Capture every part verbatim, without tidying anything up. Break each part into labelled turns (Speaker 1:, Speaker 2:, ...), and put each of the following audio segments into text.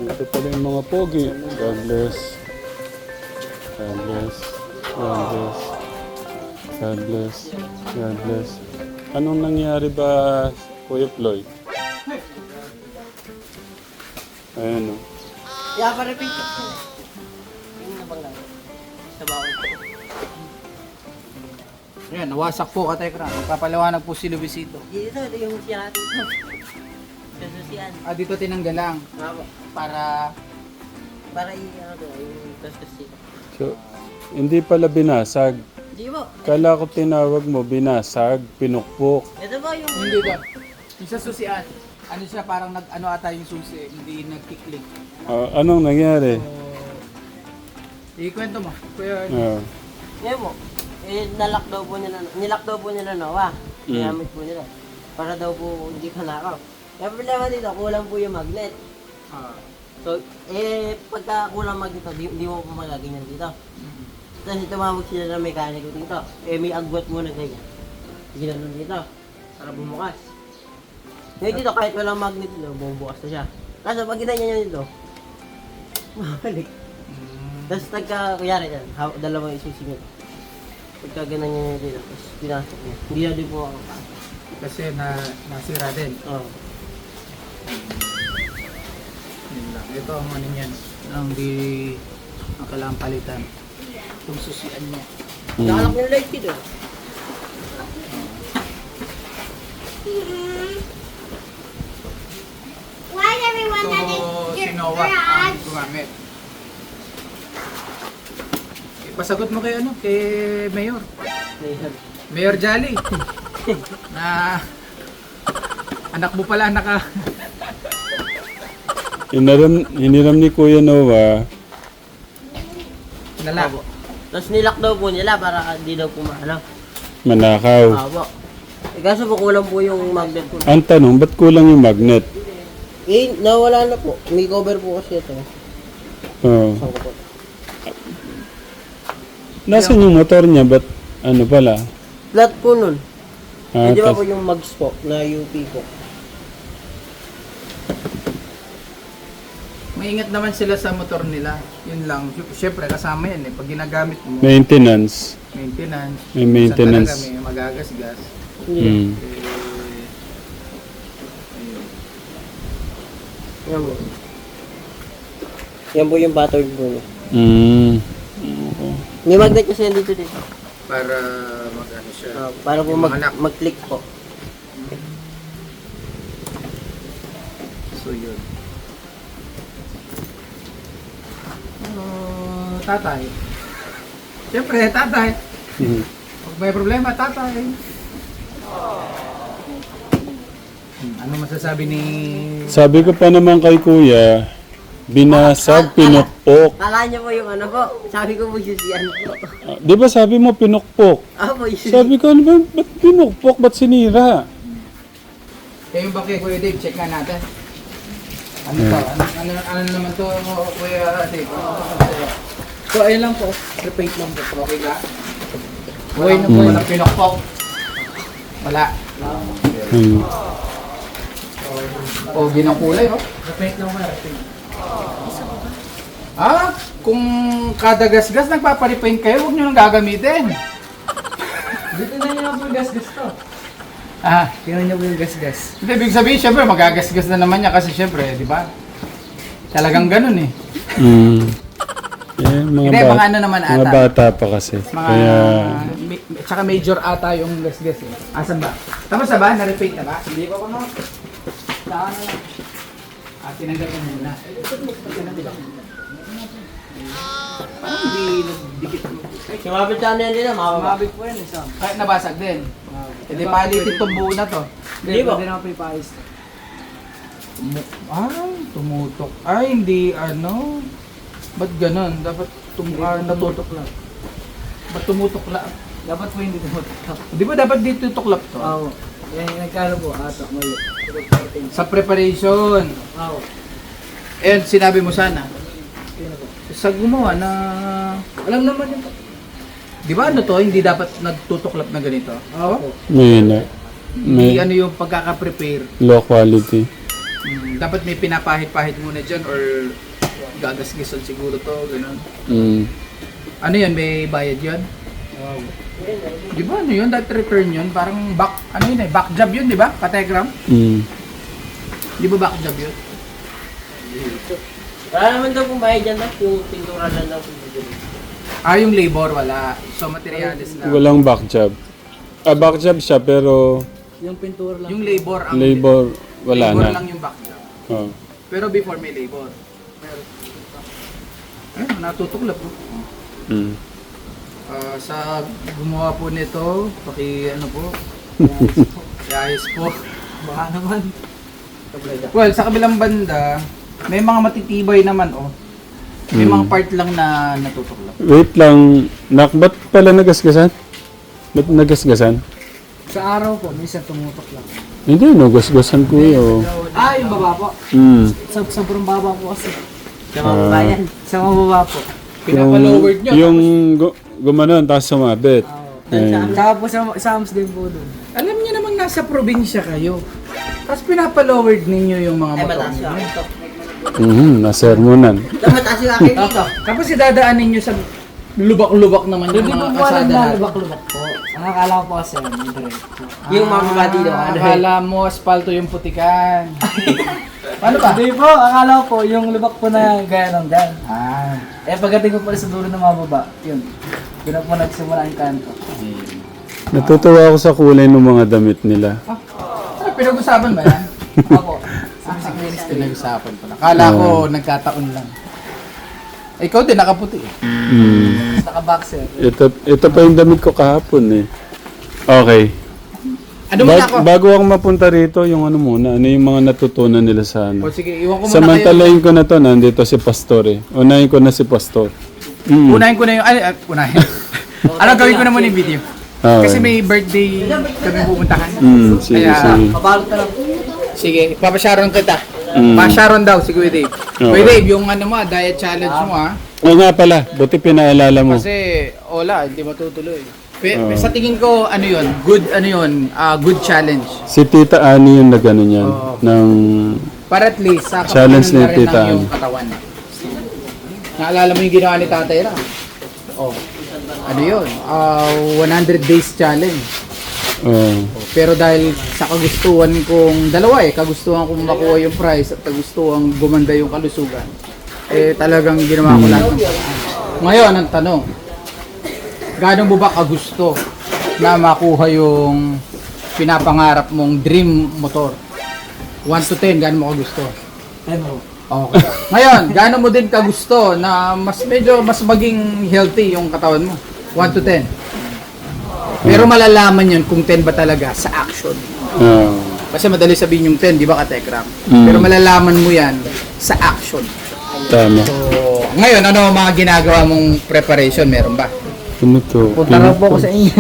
Speaker 1: Ito pala yung mga pogi. God bless. God bless. God bless. God bless. God bless. Anong nangyari ba, Kuya Floyd? Ayan o.
Speaker 2: Yeah, pa-repeat ko. Yung nabangga. Sa bawal ko.
Speaker 3: Ayan, nawasak po ka Tekra. Magpapaliwanag po si Luisito.
Speaker 2: Dito, ito yung siya natin. Kasusian.
Speaker 3: Ah, dito tinanggal lang
Speaker 2: Mama.
Speaker 3: para
Speaker 2: Para i, ano to, yung kasusian.
Speaker 1: So, hindi pala binasag.
Speaker 2: Di ba?
Speaker 1: Kala ko tinawag mo, binasag, pinukpok.
Speaker 2: Ito ba yung...
Speaker 3: hindi ba? Yung sa susian, ano siya parang nag ano ata yung susi, hindi nagkiklik.
Speaker 1: Ah, anong nangyari?
Speaker 3: So, ikwento mo. Kuya,
Speaker 1: Ah,
Speaker 2: Ngayon mo, eh, nalock daw po nila, nilock daw po nila Noah.
Speaker 1: Mm.
Speaker 2: Ginamit po nila. Para daw po hindi ka nakaw. Yung problema dito, kulang po yung magnet.
Speaker 3: ah,
Speaker 2: So, eh, pagka kulang magnet, di, di mo po magaganyan dito. Tapos tumawag sila ng mekaniko dito. Eh, may agwat muna ganyan. Ginanon dito. Para bumukas. Ngayon dito, kahit walang magnet dito, bumubukas na siya. Kaso pag ginanyan niya dito, mabalik.
Speaker 3: mm,
Speaker 2: Tapos nagka, kuyari yan, ha- dalawang isusingit. Pagka ganyan niya dito, tapos pinasok niya. Hindi na din po ako pa.
Speaker 3: kasi na nasira din.
Speaker 2: Oo.
Speaker 3: Yun lang. Ito ang ano niyan, ang di ang kailangan palitan. Itong susian niya.
Speaker 1: mm.
Speaker 2: Nakalak yung light dito.
Speaker 4: Why is everyone that
Speaker 3: Ito
Speaker 4: is
Speaker 3: si
Speaker 4: your
Speaker 3: Noah ang
Speaker 4: garage?
Speaker 3: gumamit. Pasagot mo kay ano, kay Mayor.
Speaker 2: Ayun.
Speaker 3: Mayor Jolly. Na anak mo pala naka
Speaker 1: Hiniram, hiniram ni Kuya Noah.
Speaker 3: nala.
Speaker 2: Tapos nilock daw po nila para hindi daw po maano.
Speaker 1: Manakaw.
Speaker 2: Abo. Eh, kaso po kulang po yung magnet po.
Speaker 1: Ang tanong, ba't kulang yung magnet?
Speaker 2: Eh, nawala na po. May cover po kasi ito.
Speaker 1: Oh.
Speaker 2: Saan ko po?
Speaker 1: Nasaan yung motor niya? Ba't ano pala?
Speaker 2: Flat po nun.
Speaker 1: Ah,
Speaker 2: Hindi ba
Speaker 1: tas-
Speaker 2: po yung mags po na U P po?
Speaker 3: Maingat naman sila sa motor nila. Yun lang. Siyempre kasama yan eh. Pag ginagamit mo,
Speaker 1: maintenance.
Speaker 3: maintenance.
Speaker 1: May maintenance.
Speaker 3: Minsan talaga may magagasgas.
Speaker 1: Hmm.
Speaker 3: Eh, ayun.
Speaker 2: Yan po. Yan po yung battery po niya.
Speaker 1: Mm.
Speaker 2: May magnet kasi yan dito dito.
Speaker 3: Para mag-ano siya.
Speaker 2: Ah, para po
Speaker 3: Yung
Speaker 2: mag,
Speaker 3: mga lock.
Speaker 2: mag-click po.
Speaker 3: So yun. Ano, tatay. Siyempre, tatay.
Speaker 1: Mm.
Speaker 3: Pag may problema, tatay. Hmm, ano masasabi ni...
Speaker 1: Sabi ko pa naman kay Kuya, binasag, pinukpok.
Speaker 2: Kala niyo po yung ano po. Sabi ko po yung siyan po.
Speaker 1: Ah, di ba sabi mo pinukpok?
Speaker 2: Ah po yung
Speaker 1: Sabi ko, ano ba, ba't pinukpok? Ba't sinira?
Speaker 3: Kaya yung ba kay Kuya Dave, check nga natin. Ano to? Ano, ano, ano naman to, Kuya Dave? So, ayun lang po. Repeat lang po. Okay ka? Walang,
Speaker 1: na po.
Speaker 3: walang pinokpok. Wala.
Speaker 1: Hmm.
Speaker 3: O, ginang kulay, oh. Repeat lang po. Repeat. Ah, kung kada gasgas nagpaparipaint kayo, huwag nyo nang gagamitin. Dito na nyo po gasgas to. Ah, tingnan nyo po yung gasgas. Hindi, ibig sabihin, syempre, magagasgas na naman niya kasi syempre, di ba? Talagang ganun eh.
Speaker 1: Mm. Eh, mga,
Speaker 3: Hindi,
Speaker 1: ba-
Speaker 3: mga ano naman
Speaker 1: mga
Speaker 3: ata.
Speaker 1: bata pa kasi.
Speaker 3: Mga,
Speaker 1: Kaya,
Speaker 3: mi- tsaka major ata yung gasgas eh. Asan ba? Tapos na ba? Na-repaint na ba? Hindi pa pa no? Saan na lang? Ah, tinanggal ko muna. Parang hindi nagdikit mo.
Speaker 2: Sumabit sa ano yan din ah, mababa.
Speaker 3: Mabig po yan eh, Sam. Kahit nabasag din. Hindi palitin itong buo na to.
Speaker 2: Hindi ba?
Speaker 3: Pwede naman pa ipaayos. Tumu- Ay, tumutok. Ay, hindi ano. Ba't ganun? Dapat tum ah, natutok lang. Ba't tumutok lang? Dapat po hindi tumutok. Di ba dapat dito tuklap to?
Speaker 2: Oo. Yan yung nagkano po, ato, mali.
Speaker 3: Sa preparation.
Speaker 2: Oo.
Speaker 3: Eh, sinabi mo sana. Sa gumawa na...
Speaker 2: Alam naman yun po.
Speaker 3: Di ba ano to? Hindi dapat nagtutuklap na ganito?
Speaker 2: Oo.
Speaker 1: may, na,
Speaker 3: Hindi
Speaker 1: may
Speaker 3: ano yung pagkaka-prepare.
Speaker 1: low quality.
Speaker 3: Mm, dapat may pinapahit-pahit muna dyan or gagasgisan siguro to, ganun.
Speaker 1: Mm.
Speaker 3: Ano yun, may bayad yun? Di ba ano yun, that return yun? Parang back, ano yun eh, back job yun, di ba? Kategram?
Speaker 1: Mm.
Speaker 3: Di ba back job yun?
Speaker 2: Wala naman daw kung bayad dyan, Doc. Yung pintura lang daw kung bibili.
Speaker 3: Ah, yung labor wala. So, materials lang.
Speaker 1: Walang back job. Ah, back job siya pero
Speaker 2: Yung pintura lang.
Speaker 3: Yung labor ang
Speaker 1: labor wala
Speaker 3: labor
Speaker 1: na.
Speaker 3: lang yung back job.
Speaker 1: Oh.
Speaker 3: Pero before may labor. Ayun, natutuklap po.
Speaker 1: Mm.
Speaker 3: Ah, sa gumawa po nito, paki ano po, ayos po.
Speaker 2: Baka naman.
Speaker 3: Well, sa kabilang banda, may mga matitibay naman oh. May
Speaker 1: Mm.
Speaker 3: mga part lang na natutuklap.
Speaker 1: Wait lang. Nak, ba't pala nagasgasan? Ba't nagasgasan?
Speaker 2: Sa araw po, minsan tumutok lang.
Speaker 1: Hindi, nagasgasan ko yun.
Speaker 2: Ah, yung baba po.
Speaker 1: Mm.
Speaker 2: Sa sobrang baba po kasi. Sa mga bayan. Sa mga baba po.
Speaker 3: Pinapalowered nyo.
Speaker 1: Yung gu- gumanon, tapos sumabit. Ayun.
Speaker 2: Saka po sa, sa Hams din po doon.
Speaker 3: Alam niyo namang nasa probinsya kayo. Tapos pinapalowered ninyo yung mga
Speaker 2: Ay,
Speaker 3: motor
Speaker 2: mataas yung
Speaker 3: ninyo.
Speaker 2: akin to.
Speaker 1: Mhm, nasermonan.
Speaker 2: Mataas yung akin dito.
Speaker 3: Tapos idadaan ninyo sa lubak-lubak naman yung
Speaker 2: Hindi po
Speaker 3: mga
Speaker 2: po alam
Speaker 3: kasada
Speaker 2: na
Speaker 3: natin.
Speaker 2: lubak-lubak po. Ang akala ko po kasi, yung diretso. Yung mababa dito,
Speaker 3: Ah,
Speaker 2: ano
Speaker 3: akala mo asfalto yung putikan. Paano ba?
Speaker 2: Hindi po, akala ko po, yung lubak po na gaya ng dyan.
Speaker 3: Ah,
Speaker 2: Eh, pagdating ko pala sa dulo ng mababa, yun. Yun na po nagsimula ang kanto.
Speaker 1: Natutuwa ako sa kulay ng mga damit nila.
Speaker 3: ah, pinag-usapan ba yan?
Speaker 2: Ako.
Speaker 3: Ah, pinag-usapan pala. Akala ko nagkataon lang. Eh, ikaw din, nakaputi eh.
Speaker 1: Mm.
Speaker 2: Naka-boxer.
Speaker 1: Ito, ito pa yung damit ko kahapon eh. Okay.
Speaker 3: Ano muna
Speaker 1: Bag-
Speaker 3: ako?
Speaker 1: bago ako mapunta rito, yung ano muna, ano yung mga natutunan nila sa
Speaker 3: O
Speaker 1: ano.
Speaker 3: sige, iwan ko muna kayo.
Speaker 1: Samantalayin ko na to, nandito si Pastor eh. Unahin ko na si Pastor. Mm.
Speaker 3: Unahin ko na yung, ay, ay unahin. ano gawin ko na muna yung video?
Speaker 1: Okay.
Speaker 3: Kasi may birthday kami pupuntahan.
Speaker 1: Mm, sige,
Speaker 3: Kaya-
Speaker 1: sige.
Speaker 2: Pabalot ka lang.
Speaker 3: Sige, papasharon kita.
Speaker 1: Mm.
Speaker 3: Pa-sharon daw si Kuya Dave.
Speaker 1: Okay.
Speaker 3: Kuya Dave, yung ano mo, ah, diet challenge mo ah.
Speaker 1: Oo nga pala, buti pinaalala mo.
Speaker 3: Kasi, wala, hindi matutuloy. Pe,
Speaker 1: Oo.
Speaker 3: Sa tingin ko, ano yun, good, ano yun, ah, good challenge.
Speaker 1: Si Tita Ani yung nagano niyan.
Speaker 3: Oo.
Speaker 1: Ng...
Speaker 3: Para at least, sa
Speaker 1: Challenge
Speaker 3: kapakanan na
Speaker 1: ni
Speaker 3: rin
Speaker 1: Tita
Speaker 3: ng yung
Speaker 1: Ann.
Speaker 3: katawan. Naalala mo yung ginawa ni Tatay Ra? Oh. Ano yun? Ah, one hundred days challenge.
Speaker 1: Oh.
Speaker 3: Pero dahil sa kagustuhan kong, dalawa eh, kagustuhan kong makuha yung prize at kagustuhan gumanda yung kalusugan, eh talagang ginawa ko lahat ng paraan. Ngayon, ang tanong, gaano mo ba kagusto na makuha yung pinapangarap mong dream motor? one to ten, gaano mo kagusto?
Speaker 2: Ano?
Speaker 3: Okay. Ngayon, gaano mo din kagusto na mas medyo mas maging healthy yung katawan mo? one to ten. Pero malalaman yun kung ten ba talaga sa action.
Speaker 1: Oh.
Speaker 3: Kasi madali sabihin yung ten, di ba ka-Tekram?
Speaker 1: Mm.
Speaker 3: Pero malalaman mo yan sa action.
Speaker 1: Tama.
Speaker 3: So, ngayon, ano ang mga ginagawa mong preparation? Meron ba?
Speaker 1: Ano to?
Speaker 2: Punta raw po ako sa inyo.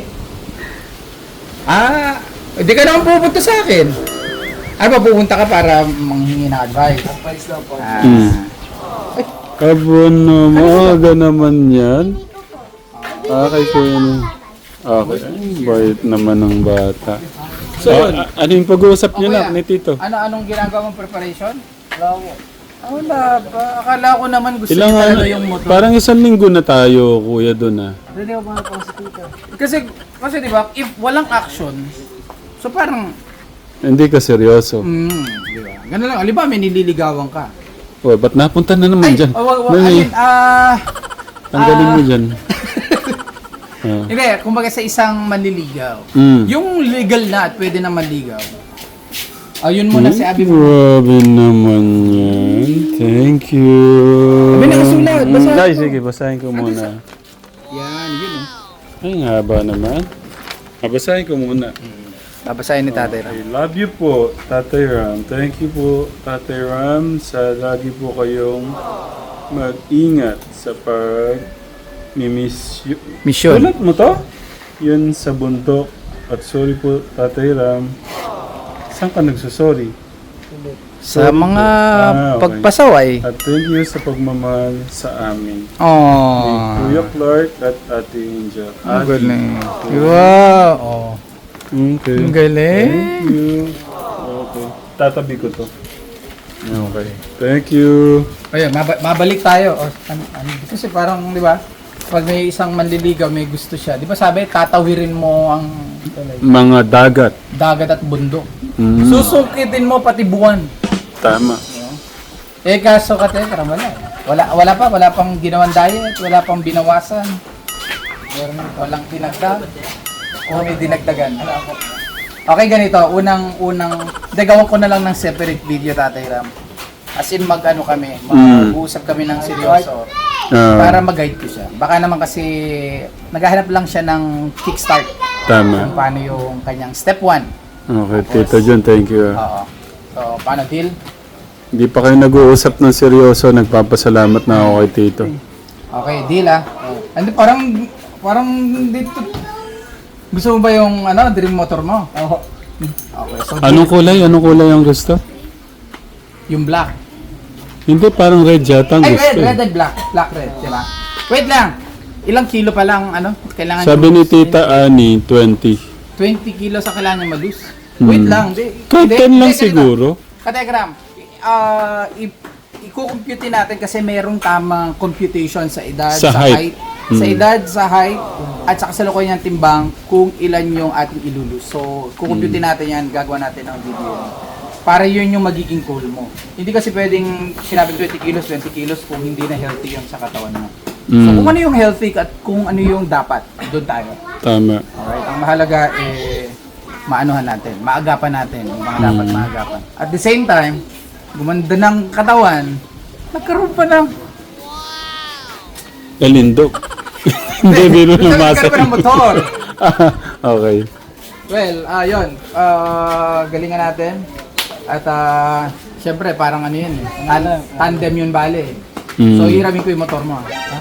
Speaker 3: Ah, hindi ka naman pupunta sa akin. Ano ba, pupunta ka para manghingi ng advice?
Speaker 2: Advice daw po.
Speaker 3: Ah,
Speaker 1: Mm. Abo na, maaga naman yan. Okay ko yun. Okay. Bait naman ng bata. So, a- ano yung pag-uusap niyo
Speaker 3: Okay,
Speaker 1: na
Speaker 3: ah.
Speaker 1: ni Tito?
Speaker 3: Ano, anong ginagawa mong preparation?
Speaker 2: Wala po.
Speaker 3: Ah, wala pa. Akala ko naman gusto
Speaker 1: Ilang
Speaker 3: niya
Speaker 1: ano,
Speaker 3: talaga yung motor.
Speaker 1: parang isang linggo na tayo, kuya, doon ah.
Speaker 2: Hindi ko pa po sa tita.
Speaker 3: Kasi, kasi di ba, if walang action, so parang,
Speaker 1: Hindi ka seryoso.
Speaker 3: mm, di ba? Ganun lang, aliba, may nililigawan ka.
Speaker 1: Oh, ba't napunta na naman dyan?
Speaker 3: oh, wag, wag,
Speaker 1: Nani,
Speaker 3: ayun, ah,
Speaker 1: tanggalin mo
Speaker 3: ah,
Speaker 1: dyan. Ah.
Speaker 3: hindi, kumbaga sa isang manliligaw,
Speaker 1: Mm.
Speaker 3: yung legal na at pwede na manligaw, ayun muna si Abi mo.
Speaker 1: Grabe naman yan. Thank you.
Speaker 3: Sabi na kasulat, basahin
Speaker 1: Ay,
Speaker 3: ko.
Speaker 1: sige, basahin ko muna.
Speaker 3: Yan, yun oh.
Speaker 1: Ay, ang haba naman. Ah, basahin ko muna.
Speaker 3: Babasahin ni Tatay Ram.
Speaker 1: I love you po, Tatay Ram. Thank you po, Tatay Ram, sa lagi po kayong mag-ingat sa pag mimiss you.
Speaker 3: Mission.
Speaker 1: Ulit mo to? Yun sa bundok. At sorry po, Tatay Ram. Saan ka nagsusorry?
Speaker 3: Sa mga
Speaker 1: Ah, okay.
Speaker 3: pagpasaway.
Speaker 1: At thank you sa pagmamahal sa amin. Ni
Speaker 3: Oh.
Speaker 1: Kuya Clark at Ate Angel.
Speaker 3: Ang
Speaker 1: Ate.
Speaker 3: galing. Wow. Oh.
Speaker 1: Okay.
Speaker 3: Ang galing.
Speaker 1: Thank you. Okay. Tatabi ko to. Okay. Thank you.
Speaker 3: Ayun, mab- mabalik tayo. O, ano, ano, kasi parang, di ba, pag may isang manliligaw, may gusto siya. Di ba sabi, tatawirin mo ang
Speaker 1: Mga dagat.
Speaker 3: dagat at bundok.
Speaker 1: Mm.
Speaker 3: Susukitin mo pati buwan.
Speaker 1: Tama.
Speaker 3: Eh kaso ka teka, wala. Wala, wala pa, wala pang ginawang diet, wala pang binawasan. Meron, walang dinagdag. O may dinagdagan. Okay, ganito. Unang, unang, dagawan ko na lang ng separate video, Tatay Ram. As in, mag-ano kami, mag-uusap kami ng seryoso.
Speaker 1: Ah,
Speaker 3: Para mag-guide ko siya. Baka naman kasi, naghahanap lang siya ng kickstart.
Speaker 1: tama.
Speaker 3: Kung paano yung kanyang step one.
Speaker 1: Okay, Tito John, thank you. ah.
Speaker 3: Oo. So, paano, deal?
Speaker 1: Hindi pa kayo nag-uusap ng seryoso, nagpapasalamat na ako kay Tito.
Speaker 3: Okay, deal ah. Ano, parang, parang dito, gusto mo ba yung, ano, dream motor mo? Oo. Okay, so deal.
Speaker 1: Anong kulay? Anong kulay ang gusto?
Speaker 3: Yung black.
Speaker 1: Hindi, parang red yata ang
Speaker 3: Ay,
Speaker 1: gusto.
Speaker 3: red,
Speaker 1: eh.
Speaker 3: red and black. Black, red, di ba? Wait lang. Ilang kilo pa lang, ano, kailangan
Speaker 1: Sabi ni
Speaker 3: yung-
Speaker 1: Tita Ani, twenty.
Speaker 3: twenty kilos ang kailangan niya malus.
Speaker 1: Hmm.
Speaker 3: Wait lang. Di,
Speaker 1: Kahit
Speaker 3: hindi,
Speaker 1: ten lang
Speaker 3: hindi, ganito.
Speaker 1: siguro.
Speaker 3: Kategram, ah, i- i-compute natin kasi merong tamang computation sa edad,
Speaker 1: Sa
Speaker 3: sa,
Speaker 1: height.
Speaker 3: height. Sa
Speaker 1: Hmm.
Speaker 3: edad, sa height, at sa kasalukuyan ng timbang kung ilan yung ating ilulus. So, kukumpute
Speaker 1: Hmm.
Speaker 3: natin yan, gagawa natin ng video. Para yun yung magiging goal mo. Hindi kasi pwedeng sinabing twenty kilos, twenty kilos kung hindi na healthy yung sa katawan mo. So,
Speaker 1: Mm.
Speaker 3: kung ano yung healthy at kung ano yung dapat, doon tayo.
Speaker 1: Tama.
Speaker 3: Alright, ang mahalaga eh maanuhan natin, maagapan natin yung mga dapat
Speaker 1: Mm.
Speaker 3: maagapan. At the same time, gumanda ng katawan, nagkaroon pa ng
Speaker 1: Kalindog. Hindi, biro ng
Speaker 3: nagkaroon
Speaker 1: masa.
Speaker 3: pa ng motor.
Speaker 1: Okay.
Speaker 3: Well, ah yun, ah, galingan natin. At ah, syempre parang ano yun eh, ano, tandem yun bale eh.
Speaker 1: Mm.
Speaker 3: So hiramin ko yung motor mo. ah. Ha?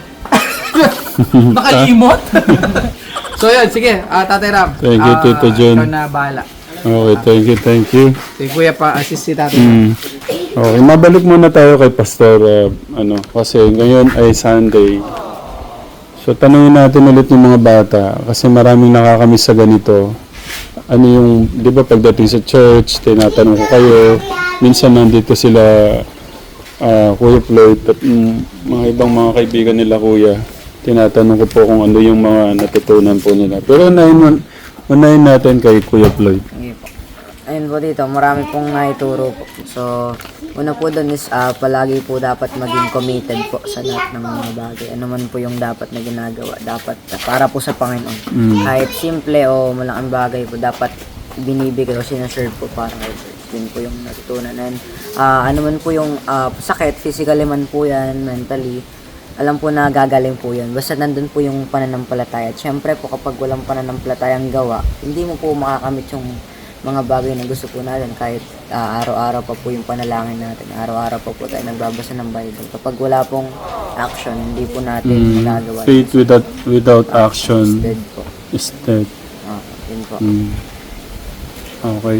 Speaker 3: Nakalimot? So yun, sige, ah, Tatay Ram.
Speaker 1: Thank you,
Speaker 3: ah,
Speaker 1: Tito John.
Speaker 3: Ikaw na bahala.
Speaker 1: Okay, thank you, thank you.
Speaker 3: Si Kuya pa assist si Tatay Ram.
Speaker 1: Mm. Okay, mabalik muna tayo kay Pastor, uh, ano, kasi ngayon ay Sunday. So, tanungin natin ulit yung mga bata, kasi maraming nakakamiss sa ganito. Ano yung, di ba pagdating sa church, tinatanong ko kayo, minsan nandito sila, ah, Kuya Floyd, at mm, mga ibang mga kaibigan nila, Kuya. Tinatanong ko po kung ano yung mga natutunan po nila. Pero unahin, unahin natin kay Kuya Floyd.
Speaker 5: Sige po. Ayun po dito, marami pong naituro po. So, una po doon is ah, palagi po dapat maging committed po sa lahat ng mga bagay. Ano man po yung dapat na ginagawa, dapat ah, para po sa Panginoon.
Speaker 1: Mm.
Speaker 5: Kahit simple o malaking bagay po, dapat binibigay o sinaserve po para kay Lord. Yun po yung natutunan. And ah, ano man po yung ah, sakit, physically man po yan, mentally, alam po na gagaling po yun. Basta nandun po yung pananampalataya. At syempre po kapag walang pananampalatayang gawa, hindi mo po makakamit yung mga bagay na gusto po natin kahit ah, araw-araw pa po yung panalangin natin. Araw-araw pa po tayo nagbabasa ng Bible. Kapag wala pong action, hindi po natin
Speaker 1: Mm.
Speaker 5: magagawa.
Speaker 1: Faith without, without action
Speaker 5: Instead po.
Speaker 1: is dead.
Speaker 5: Ah, yun po.
Speaker 1: Mm. Okay.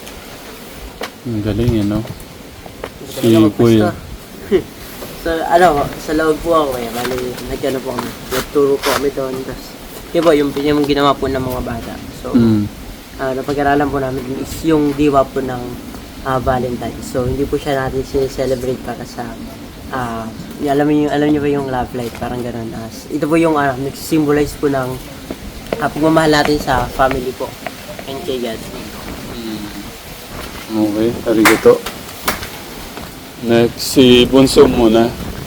Speaker 1: Ang galing eh, no? Si Kuya.
Speaker 2: Sa ano, sa loob po ako eh, bali, nagkano po kami, nagturo po kami doon, tapos, yun po, yung, yung ginawa po ng mga bata. So,
Speaker 1: Mm.
Speaker 2: ah, napag-aralan po namin is yung diwa po ng ah, Valentine. So, hindi po siya natin celebrate para sa, ah, y- alam niyo alam niyo ba yung love life, parang ganun. As, ito po yung uh, nagsisymbolize po ng ah, pagmamahal natin sa family po and kay God.
Speaker 1: Okay, arigato. Next, si Bunso muna.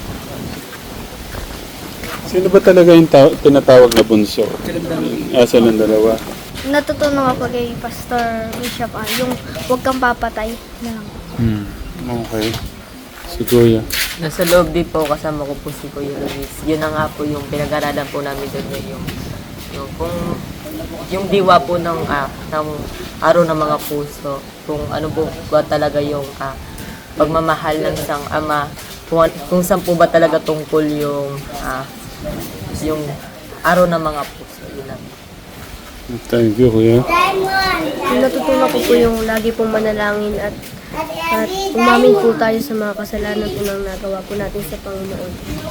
Speaker 1: Sino ba talaga yung ta- tinatawag na Bunso? Ah, silang dalawa.
Speaker 4: Natutunan ako kay Pastor Bishop ah, yung huwag kang papatay na lang.
Speaker 1: Hmm. Okay. Si Kuya.
Speaker 6: Nasa loob din po, kasama ko po si Kuya Luis. Yun na nga po yung pinag-aralan po namin doon ngayon. Yung, yung, kung, yung diwa po ng, ah, ng araw ng mga puso. Kung ano po ba talaga yung ah, pagmamahal ng isang ama. Kung, kung saan po ba talaga tungkol yung, ah, yung araw ng mga puso. Yun lang.
Speaker 1: Thank you, Kuya.
Speaker 4: Natutunan ko po yung lagi pong manalangin at at umamin po tayo sa mga kasalanan po nang nagawa po natin sa Panginoon.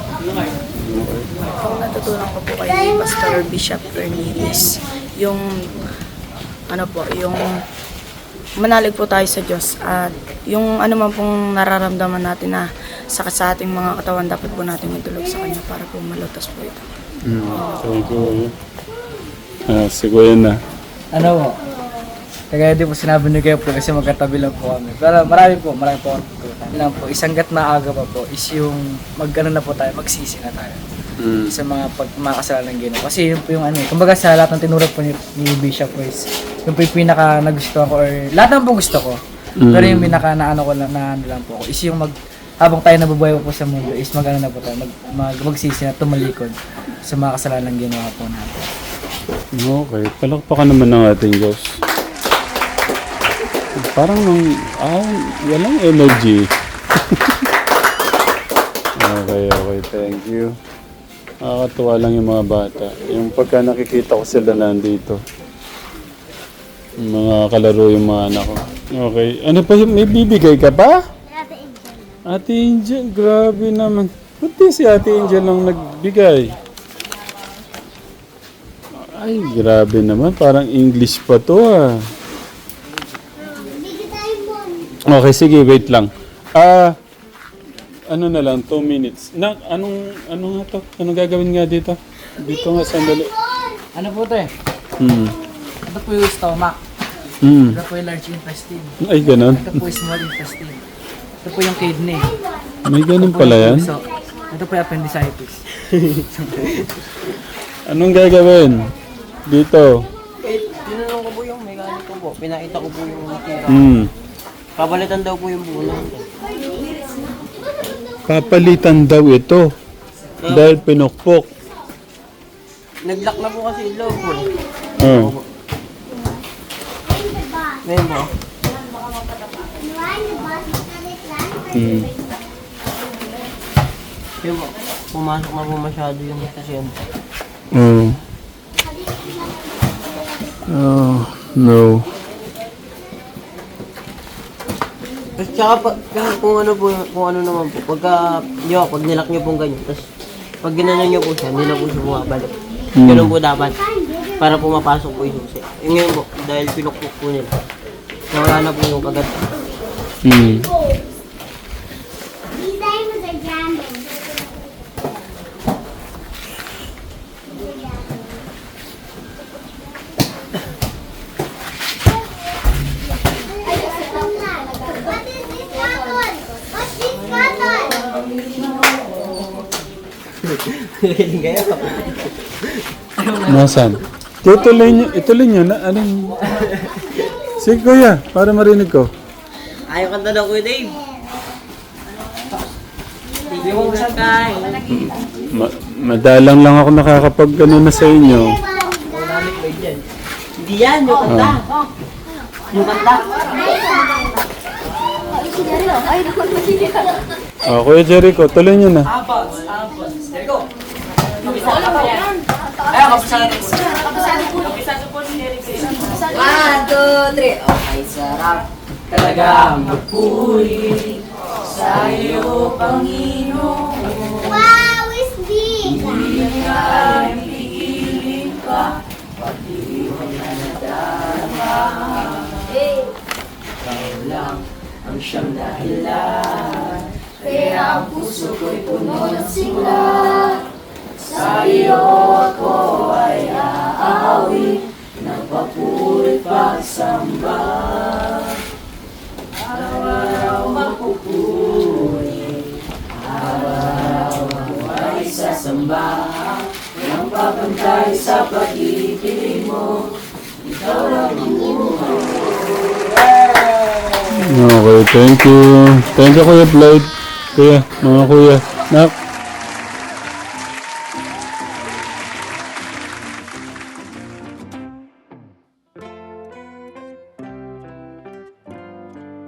Speaker 7: Ang natutunan ko po kay Pastor Bishop Cornelius, yung ano po, yung manalig po tayo sa Diyos at yung ano man pong nararamdaman natin na sakit sa ating mga katawan, dapat po natin magdulog sa Kanya para po malutas po ito.
Speaker 1: Mm. Thank you. Ah, si Kuya na.
Speaker 3: Ano po? Kaya di po sinabi ni Kuya po kasi magkatabi lang po kami. Pero marami po, marami po. Yun lang po, isang gat maaga pa po is yung mag-ano na po tayo, magsisi na tayo.
Speaker 1: Mm.
Speaker 3: Sa mga pag mga kasalanan ginawa. Kasi yun po yung ano eh. Kumbaga sa lahat ng tinurag po ni, ni Bishop po is yung po yung pinaka nagustuhan ko or lahat ng po gusto ko.
Speaker 1: Mm.
Speaker 3: Pero yung pinaka naano ko lang, na ano lang po ako is yung mag habang tayo nabubuhay po sa mundo is mag-ano na po tayo, mag, mag, magsisi na tumalikod sa mga kasalanan ginawa po natin.
Speaker 1: Okay, palakpakan naman ng ating Diyos. Parang ah, walang energy. Okay, okay, thank you. Nakakatuwa lang yung mga bata. Yung pagka nakikita ko sila nandito. Yung mga kalaro yung mga anak ko. Okay, ano pa yung may bibigay ka pa? Ate Angel, grabe naman. Ba't di si Ate Angel lang nagbigay? Ay, grabe naman. Parang English pa to ah. Okay, sige, wait lang. Ah, ano na lang, two minutes. Na, anong, ano nga to? Anong gagawin nga dito? Dito nga, sandali.
Speaker 3: Ano po ito eh?
Speaker 1: Hmm.
Speaker 3: Ito po yung stomach.
Speaker 1: Hmm.
Speaker 3: Ito po yung large intestine.
Speaker 1: Ay, ganun.
Speaker 3: Ito po yung small intestine. Ito po yung kidney.
Speaker 1: May ganun
Speaker 3: Ito po
Speaker 1: pala
Speaker 3: yung
Speaker 1: yan?
Speaker 3: puso. Ito po yung appendicitis.
Speaker 1: Anong gagawin? Dito.
Speaker 2: Eh, tinanong ko po yung mechanic ko po. Pinakita ko po yung natira.
Speaker 1: Hmm.
Speaker 2: Kabalitan daw po yung buo lang.
Speaker 1: Papalitan daw ito. Dahil pinukpok.
Speaker 2: Nag-lock na po kasi yung loob po.
Speaker 1: Oh.
Speaker 2: Ngayon po.
Speaker 1: Hmm.
Speaker 2: Yun po. Pumasok na po masyado yung pasyente.
Speaker 1: Oh. Oh, no.
Speaker 2: Tapos tsaka pa, kahit kung ano po, kung ano naman po, pagka, di ba, pag nilak nyo pong ganyan, tapos pag ginanon nyo po siya, hindi na po siya bumabalik.
Speaker 1: Hmm.
Speaker 2: Ganun po dapat, para po mapasok po yung susi. Yung ngayon po, dahil pinukpok po nila, nawala na po yung kagat.
Speaker 1: Hmm.
Speaker 8: These diamonds are jamming. What is this cotton? What's this cotton?
Speaker 2: Galing kayo.
Speaker 1: Nasaan? Ituloy nyo, ituloy nyo na, anong... Sige kuya, para marinig ko.
Speaker 2: Ayaw kanta daw Kuya Dave. Hindi mo sakay.
Speaker 1: Ma madalang lang ako nakakapag ano na sa inyo.
Speaker 2: Hindi yan, yung kanta. Yung kanta.
Speaker 1: Oh, Kuya Jericho, tuloy nyo na.
Speaker 5: One, two, three. Okay, sarap. Talagang magpuri sa iyo, Panginoon.
Speaker 8: Wow, it's big.
Speaker 5: Ang siyang dahilan, kaya ang puso ko'y puno ng sigla. Sa iyo ako ay aawi, ng papuri pagsamba. Araw-araw magpupuri, araw-araw ako ay sasamba. Nang papantay sa pag-ibig mo, ikaw lang ang buhay ko.
Speaker 1: Okay, thank you. Thank you Kuya Floyd. Kuya, mga kuya. Nak,